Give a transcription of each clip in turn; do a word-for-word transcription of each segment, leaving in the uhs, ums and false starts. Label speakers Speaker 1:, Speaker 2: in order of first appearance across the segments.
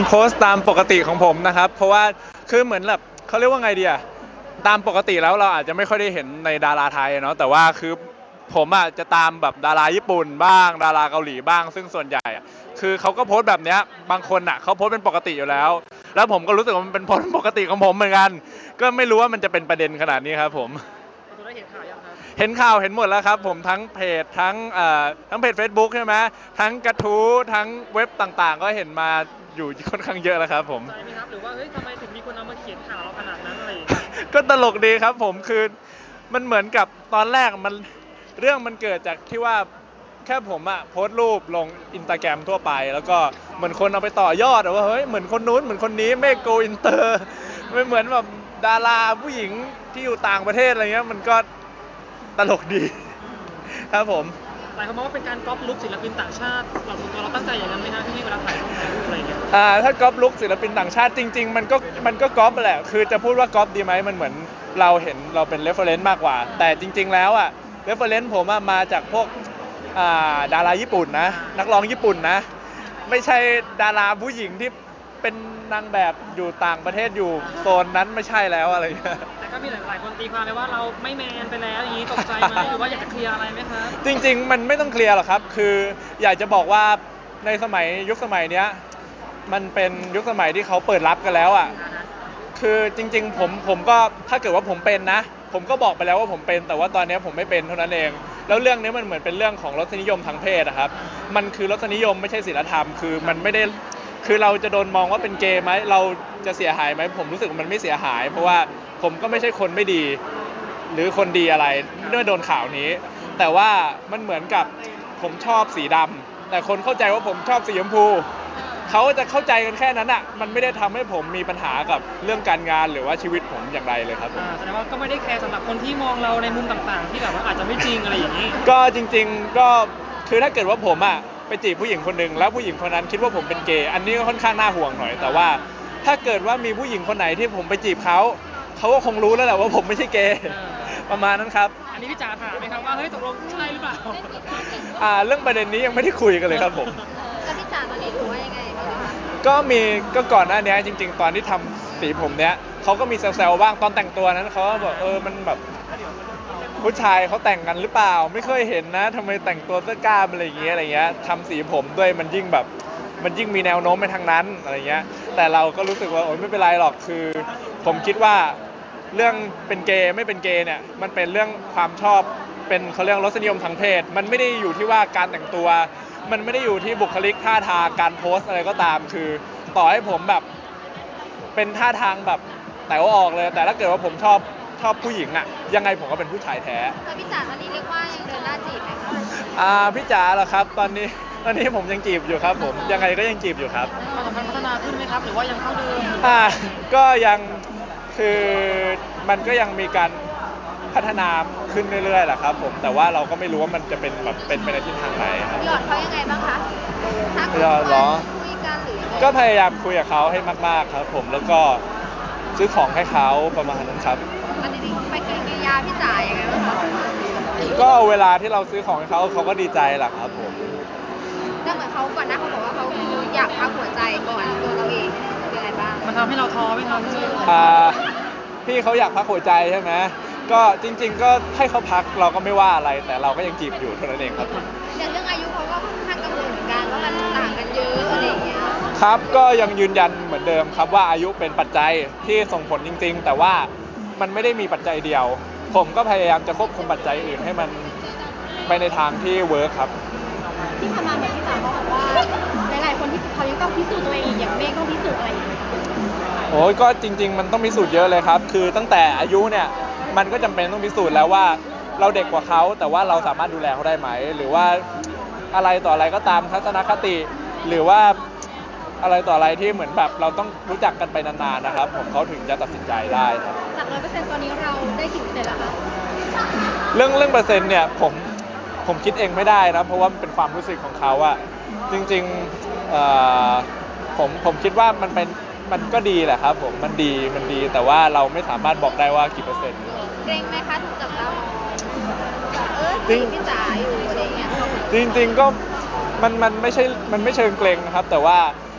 Speaker 1: โพสต์ตามปกติของผมนะครับเพราะว่าคือเหมือนแบบเขาเรียกว่าไงดีอะตามปกติแล้วเราอาจจะไม่ค่อยได้เห็นในดาราไทยเนาะแต่ว่าคือผมอะจะตามแบบดาราญี่ปุ่นบ้างดาราเกาหลีบ้างซึ่งส่วนใหญ่อะคือเขาก็โพสต์แบบเนี้ยบางคนอะเขาโพสต์เป็นปกติอยู่แล้วแล้วผมก็รู้สึกว่ามันเป็นโพสต์ปกติของผมเหมือนกันก็ไม่รู้ว่ามันจะเป็นประเด็นขนาดนี้ครับผม
Speaker 2: คุณได้เห็นข่าวยังครับ
Speaker 1: เห็นข่าวเห็นหมดแล้วครับผมทั้งเพจทั้งเอ่อทั้งเพจ เฟซบุ๊ก ใช่ไหมทั้งกระทู้ทั้งเว็บต่างๆก็เห็นมาอยู่ค่อนข้างเยอะแล้วครับผม
Speaker 2: ใจไหมครับหรือว่าเฮ้ยทำไมถึงมีคนเอามาเขียนข่าวเราขนาดนั้นอะไรอย่างเงี้ย
Speaker 1: ก็ตลกดีครับผมคือมันเหมือนกับตอนแรกมันเรื่องมันเกิดจากที่ว่าแค่ผมอะโพสต์รูปลงอินสตาแกรมทั่วไปแล้วก็เหมือนคนเอาไปต่อยอดอะว่าเฮ้ยเหมือนคนนู้นเหมือนคนนี้ไม่โกอินเตอร์ไม่เหมือนแบบดาราผู้หญิงที่อยู่ต่างประเทศอะไรเงี้ยมันก็ตลกดีครับผม
Speaker 2: หลายคนมองว่าเป็นการก๊อปลุคศิลปินต่างชาติเราส่วนตัวเราตั้งใจอย่างนั้นไหมฮะที่เวลาถ่ายรูปถ่ายรูปอะไรอย่างเงี้ย
Speaker 1: อ่าถ้าก๊อปลุกศิลปินต่างชาติจริงๆมันก็มันก็ก๊อปแหละคือจะพูดว่าก๊อปดีไหมมันเหมือนเราเห็นเราเป็นเรฟเฟอเรนซ์มากกว่าแต่จริงๆแล้วอ่ะเรฟเฟอเรนซ์ผมอะมาจากพวกอ่าดาราญี่ปุ่นนะนักร้องญี่ปุ่นนะไม่ใช่ดาราผู้หญิงที่เป็นนางแบบอยู่ต่างประเทศอยู่โซนนั้นไม่ใช่แล้วอะไรอย่างเงี้ย
Speaker 2: แต่ก็มีหลายๆคนตีความไปว่าเราไม่แมนไปแล้วอย่างนี้ตกใจไหมหรือว่าอยากจะเคลียร์อะไรไหมครับ
Speaker 1: จริงๆมันไม่ต้องเคลียร์หรอกครับคืออยากจะบอกว่าในสมัยยุคสมัยเนี้ยมันเป็นยุคสมัยที่เขาเปิดรับกันแล้วอ่ะ คือจริงๆผมผมก็ถ้าเกิดว่าผมเป็นนะผมก็บอกไปแล้วว่าผมเป็นแต่ว่าตอนนี้ผมไม่เป็นเท่านั้นเองแล้วเรื่องนี้มันเหมือนเป็นเรื่องของรสนิยมทางเพศอะครับมันคือรสนิยมไม่ใช่ศีลธรรมคือมันไม่ได้คือเราจะโดนมองว่าเป็นเกย์ไหมเราจะเสียหายไหมผมรู้สึกว่ามันไม่เสียหายเพราะว่าผมก็ไม่ใช่คนไม่ดีหรือคนดีอะไรเมื่อโดนข่าวนี้แต่ว่ามันเหมือนกับผมชอบสีดำแต่คนเข้าใจว่าผมชอบสีชมพูเขาจะเข้าใจกันแค่นั้นอ่ะมันไม่ได้ทำให้ผมมีปัญหากับเรื่องการงานหรือว่าชีวิตผมอย่างไรเลยครับผม
Speaker 2: อ่าแสดงว่าก็ไม่ได้แคร์สำหรับคนที่มองเราในมุมต่างๆที่แบบว่าอาจจะไม่จริงอะไรอย่างนี้
Speaker 1: ก็จริงๆก็คือถ้าเกิดว่าผมอ่ะไปจีบผู้หญิงคนหนึ่งแล้วผู้หญิงคนนั้นคิดว่าผมเป็นเกย์อันนี้ก็ค่อนข้างน่าห่วงหน่อยแต่ว่าถ้าเกิดว่ามีผู้หญิงคนไหนที่ผมไปจีบเขาเขาก็คงรู้แล้วแหละว่าผมไม่ใช่เกย์ประมาณนั้นครับ
Speaker 2: อันนี้พี่จ๋าถามไหมครับว่าเฮ้ยตกลงใช่หรือเปล่า
Speaker 1: อ่าเรื่องประเด็นนี้ยังไม่ได้คุยกันเลยครับผม
Speaker 3: แล้วพี่จ๋าตอนนี้รู้ว่ายังไงบ้างคะ
Speaker 1: ก็มีก็ก่อนหน้านี้จริงๆตอนที่ทำสีผมเนี้ยเขาก็มีแซวๆบ้างตอนแต่งตัวนั้นเขาก็บอกเออมันแบบผู้ชายเขาแต่งกันหรือเปล่าไม่เคยเห็นนะทำไมแต่งตัวเสื้อกล้ามอะไรอย่างเงี้ยอะไรเงี้ยทำสีผมด้วยมันยิ่งแบบมันยิ่งมีแนวโน้มไปทางนั้นอะไรเงี้ยแต่เราก็รู้สึกว่าโอ๊ยไม่เป็นไรหรอกคือผมคิดว่าเรื่องเป็นเกย์ไม่เป็นเกย์เนี่ยมันเป็นเรื่องความชอบเป็นเขาเรียกรสนิยมทางเพศมันไม่ได้อยู่ที่ว่าการแต่งตัวมันไม่ได้อยู่ที่บุคลิกท่าทางการโพสอะไรก็ตามคือต่อให้ผมแบบเป็นท่าทางแบบแต่ว่าออกเลยแต่ถ้าเกิดว่าผมชอบชอบผู้หญิงอะยังไงผมก็เป็นผู้ชายแท้
Speaker 3: แล้วพี่จ๋าตอนนี้เรียกว่ายังเดินหน้าจีบไหมคะ
Speaker 1: อ่าพี่จ๋าเหรอครับตอนนี้ตอนนี้ผมยังจีบอยู่ครับผมยังไงก็ยังจีบอยู่ครับ
Speaker 2: ความสัมพันธ์พัฒนาขึ้นไหมครับหรือว่ายังเท่าเดิม
Speaker 1: อ่าก็ยังคือมันก็ยังมีการพัฒนาขึ้นเรื่อยๆแหละครับผมแต่ว่าเราก็ไม่รู้ว่ามันจะเป็นแบบเป็นไปในทิศทางไหนครับ
Speaker 3: หยอดเขายังไงบ้างคะทัก
Speaker 1: หยอดเหรอ
Speaker 3: คุยกันหรือยังไง
Speaker 1: ก็พยายามคุยกับเขาให้มากๆครับผมแล้วก็ซื้อของให้เขาประมาณนั้นครับ
Speaker 3: อันนี้ไปกินกิริยาพี่จ๋ายังไงบ้างคะ
Speaker 1: ก็เวลาที่เราซื้อของให้เขาเขาก็ดีใจแหละครับผม
Speaker 3: แต่เหมือนเขาก่อนหน้าเขาบอกว่าเขาคืออยากพักหัวใจก่อนตัวเราเองเป็นไงบ้าง
Speaker 2: มันทำให้เราท้อไหมครับพี่
Speaker 1: อ่าพี่เขาอยากพักหัวใจใช่ไหมก็จริงๆก็ให้เขาพักเราก็ไม่ว่าอะไรแต่เราก็ยังจีบอยู่เท่านั้นเองครับ
Speaker 3: แต่เรื่องอายุเขาก็ค่อนข้างกังวลเหมือนกันว่ามันต่างกันเยอะอะไรอย่างเงี้ย
Speaker 1: ครับก็ยังยืนยันเหมือนเดิมครับว่าอายุเป็นปัจจัยที่ส่งผลจริงๆแต่ว่ามันไม่ได้มีปัจจัยเดียวผมก็พยายามจะควบคุมปัจจัยอื่นให้มันไปในทางที่เวิร์คครับ
Speaker 3: ที่ผ่านมาเหมือนที่จ๋าบอกว่าหลายๆคนที่เขายังต้องพิสูจน์ตัวเองอีกอย่างเมฆต้องพิสูจน์อะไรอย่างเงี้ย
Speaker 1: โอ้ยก็จริงๆมันต้องพิสูจน์เยอะเลยครับคือตั้งแต่อายุเนี่ยมันก็จำเป็นต้องพิสูจน์แล้วว่าเราเด็กกว่าเขาแต่ว่าเราสามารถดูแลเขาได้ไหมหรือว่าอะไรต่ออะไรก็ตามทัศนคติหรือว่าอะไรต่ออะไรที่เหมือนแบบเราต้องรู้จักกันไปนานๆนะครับผมเขาถึงจะตัดสินใจได้ครับ
Speaker 3: จากร้อยเปอร์เซ็นต์ตอนนี้เราได้กี่เปอร์เซ็นต์แล้วคะ
Speaker 1: เรื่องเรื่องเปอร์เซ็นต์เนี่ยผมผมคิดเองไม่ได้นะเพราะว่ามันเป็นความรู้สึกของเขาอะจริงๆเอ่อผมผมคิดว่ามันเป็นมันก็ดีแหละครับผมมันดีมันดีแต่ว่าเราไม่สามารถบอกได้ว่ากี่เปอร์เซ็นต์
Speaker 3: เกรงไหมคะถูกจับตามองเออจีบพี่จ๋าอยู่อะไรอย่างเงี้ย
Speaker 1: จริงๆก็มันมันไม่ใช่มันไม่เชิงเกรงนะครับแต่ว่า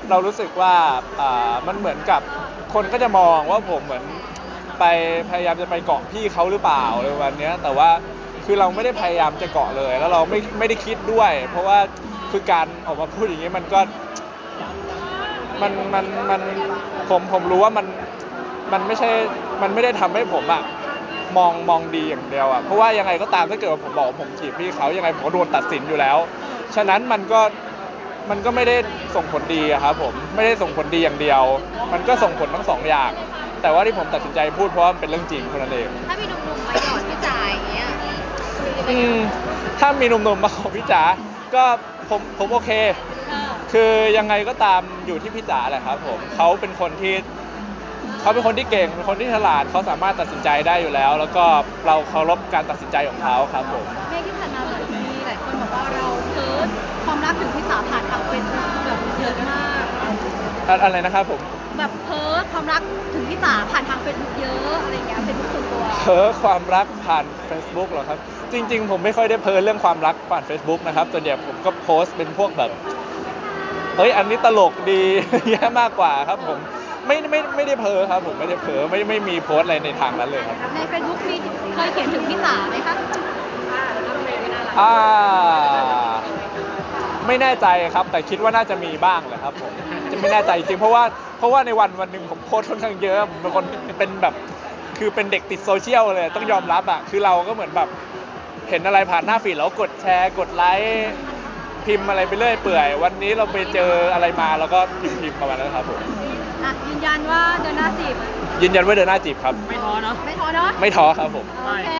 Speaker 1: เรารู้สึกว่าอ่ามันเหมือนกับคนก็จะมองว่าผมเหมือนไปพยายามจะไปเกาะพี่เขาหรือเปล่าอะไรประมาณเนี้ยแต่ว่าคือเราไม่ได้พยายามจะเกาะเลยแล้วเราไม่ไม่ได้คิดด้วย เพราะว่าคือการออกมาพูดอย่างนี้มันก็มันมันมันผมผมรู้ว่ามันมันไม่ใช่มันไม่ได้ทำให้ผมอะมองมองดีอย่างเดียวอะเพราะว่ายังไงก็ตามถ้าเกิดว่าผมบอกว่าผมจีบพี่เขายังไงผมก็โดนตัดสินอยู่แล้ว ฉะนั้นมันก็มันก็ไม่ได้ส่งผลดีอะครับผมไม่ได้ส่งผลดีอย่างเดียว มันก็ส่งผลทั้งสองอย่าง แต่ว่าที่ผมตัดสินใจพูดเพราะว่ามันเป็นเรื่องจริงคนนั้นเอง
Speaker 3: ถ้ามีหนุ่มๆมาหยอดพี่จ๋าอย่างเงี้ย
Speaker 1: อืมถ้ามีหนุ่มๆมาขอพี่จ๋าก็ผมผมโอเค
Speaker 3: เออ
Speaker 1: คือยังไงก็ตามอยู่ที่พี่จ๋าแหละครับผมเขาเป็นคนที่เขาเป็นคนที่เก่งเป็นคนที่ฉลาดเขาสามารถตัดสินใจได้อยู่แล้ว แล้วก็เราเคารพการตัดสินใจของเขาครับผม
Speaker 3: เมฆที่ผ่านมาเหมือนมีหลายคนบอกว่าเราเพิร์ดความรักถึงพี่จ๋าผ่านทางเฟซบุ๊กแบบเยอะมาก
Speaker 1: อะอะไรนะครับผม
Speaker 3: แบบเพิร์ดความรักถึงพี่จ๋าผ่านทางเฟซบุ๊กเยอะอะไรอย่างเงี้ยเฟซบุ๊กส่วนตัว
Speaker 1: เพ้อความรักผ่าน Facebook เหรอครับ จริง ๆ ผมไม่ค่อยได้เพ้อเรื่องความรักผ่าน Facebook นะครับส่วนใหญ่ผมก็โพสต์เป็นพวกแบบเฮ้ยอันนี้ตลกดี แย่มากกว่าครับผมไม่ไม่ไม่ได้เพ้อครับผมไม่ได้เพ้อไม่ไม่มีโพสต์อะไรในทางนั้นเลยครับ
Speaker 3: ในเฟซบุ๊กมีเคยเขียนถึงพี่จ๋าไหมคะ
Speaker 1: อ่าไม่แน่ใจครับแต่คิดว่าน่าจะมีบ้างแหละครับผมจะไม่แน่ใจจริงเพราะว่าเพราะว่าในวันวันหนึ่งผมโพสต์ค่อนข้างเยอะผมเป็นคนเป็นแบบคือเป็นเด็กติดโซเชียลเลยต้องยอมรับอ่ะคือเราก็เหมือนแบบเห็นอะไรผ่านหน้าฟีดแล้วกดแชร์กดไลค์พิมพ์อะไรไปเรื่อยเปื่อยวันนี้เราไปเจออะไรมาเราก็พิมพ์พิมพ์ประมาณนั้นครับผม
Speaker 3: อ่ะยืนยันว่าเดินหน้าจีบ
Speaker 1: ยืนยันว่าเดินหน้าจีบครับ
Speaker 2: ไม่ท้อเนาะ
Speaker 3: ไม่ท้อเนาะ
Speaker 1: ไม่ท้อครับผม
Speaker 3: โอเค